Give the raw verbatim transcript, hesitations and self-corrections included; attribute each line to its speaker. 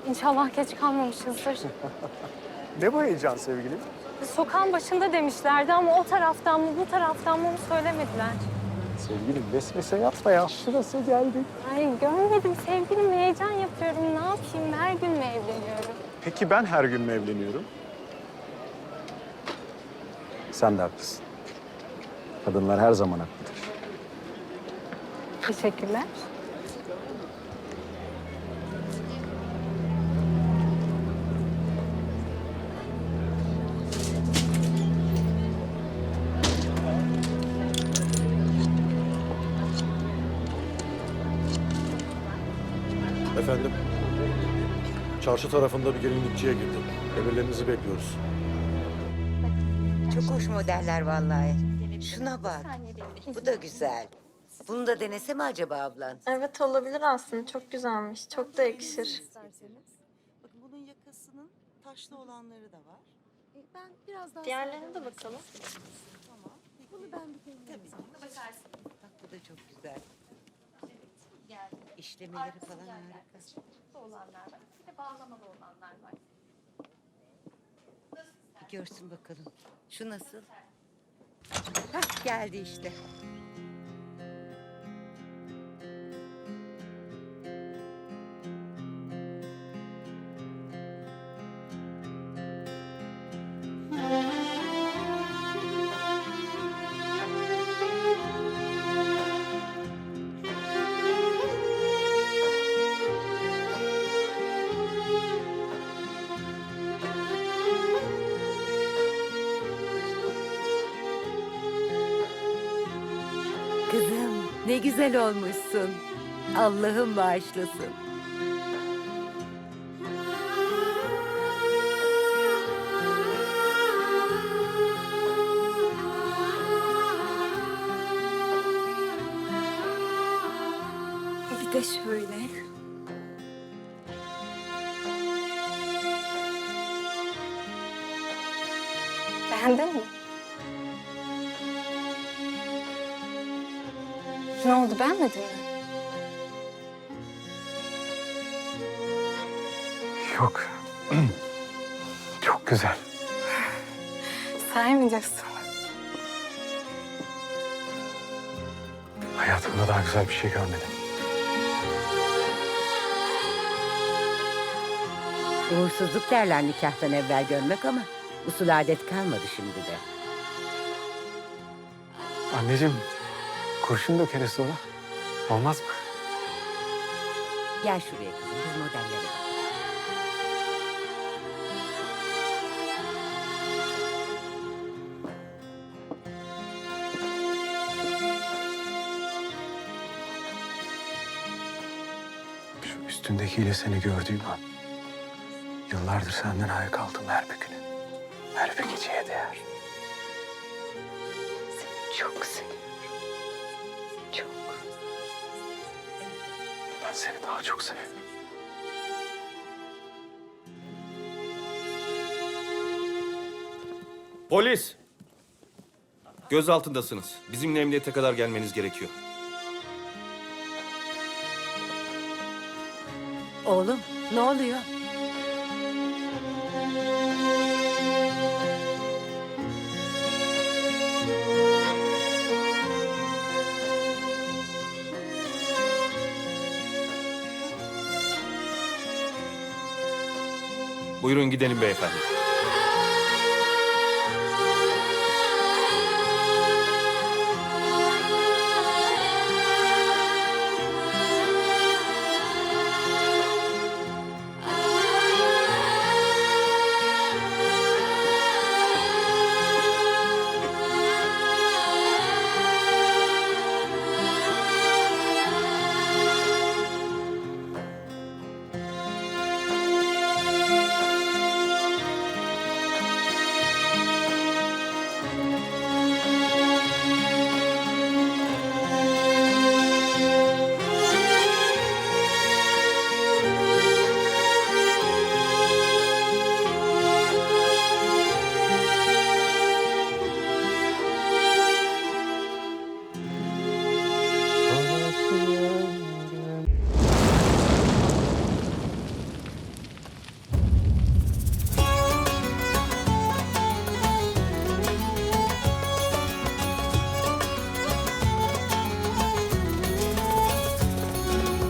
Speaker 1: İnşallah geç kalmamışızdır.
Speaker 2: Ne bu heyecan sevgilim?
Speaker 1: Sokağın başında demişlerdi ama o taraftan mı bu taraftan mı onu söylemediler.
Speaker 2: Sevgilim vesvese yapma ya. Şurası geldik.
Speaker 1: Ay görmedim sevgilim, heyecan yapıyorum. Ne yapayım, her gün mü evleniyorum?
Speaker 2: Peki ben her gün mü evleniyorum? Sen de haklısın. Kadınlar her zaman haklıdır.
Speaker 1: Teşekkürler.
Speaker 3: Efendim, çarşı tarafında bir gelinlikçiye girdim. Emirlerinizi bekliyoruz.
Speaker 4: Çok hoş modeller vallahi. Şuna bak. Bu da güzel. Bunu da denese mi acaba ablan?
Speaker 5: Evet olabilir aslında. Çok güzelmiş. Çok da yakışır.
Speaker 6: Bakın bunun yakasının taşlı olanları da var.
Speaker 7: Ben biraz daha
Speaker 5: Diğerlerine de bakalım.
Speaker 6: Tamam. Peki.
Speaker 7: Bunu ben bir deneyeyim.
Speaker 6: Tabii ki.
Speaker 7: Bakarsın.
Speaker 4: Bak bu da çok güzel.
Speaker 7: Geldi.
Speaker 4: İşlemeleri falan harika.
Speaker 7: Arkasında olanlar var. Bir de bağlamalı olanlar var.
Speaker 4: Bir görsün bakalım. Şu nasıl? Hah geldi işte. Kızım ne güzel olmuşsun. Allah'ım bağışlasın.
Speaker 5: Bir de şöyle.
Speaker 1: Beğendin mi? Ne oldu, beğenmedin mi?
Speaker 2: Yok. Çok güzel.
Speaker 1: Saymayacaksın.
Speaker 2: Hayatımda daha güzel bir şey görmedim.
Speaker 4: Uğursuzluk derler nikahtan evvel görmek ama usul adet kalmadı şimdi de.
Speaker 2: Anneciğim, kurşun dökeriz sonra. Olmaz mı?
Speaker 4: Gel şuraya kızım biz modellere bak.
Speaker 2: Şu üstündekiyle seni gördüğüm an... yıllardır senden ayak aldım her bir günü. Her bir geceye değer. Seni çok seviyorum. Çok. Ben seni daha çok seviyorum.
Speaker 8: Polis! Gözaltındasınız. Bizimle emniyete kadar gelmeniz gerekiyor.
Speaker 4: Oğlum ne oluyor?
Speaker 8: Buyurun gidelim beyefendi.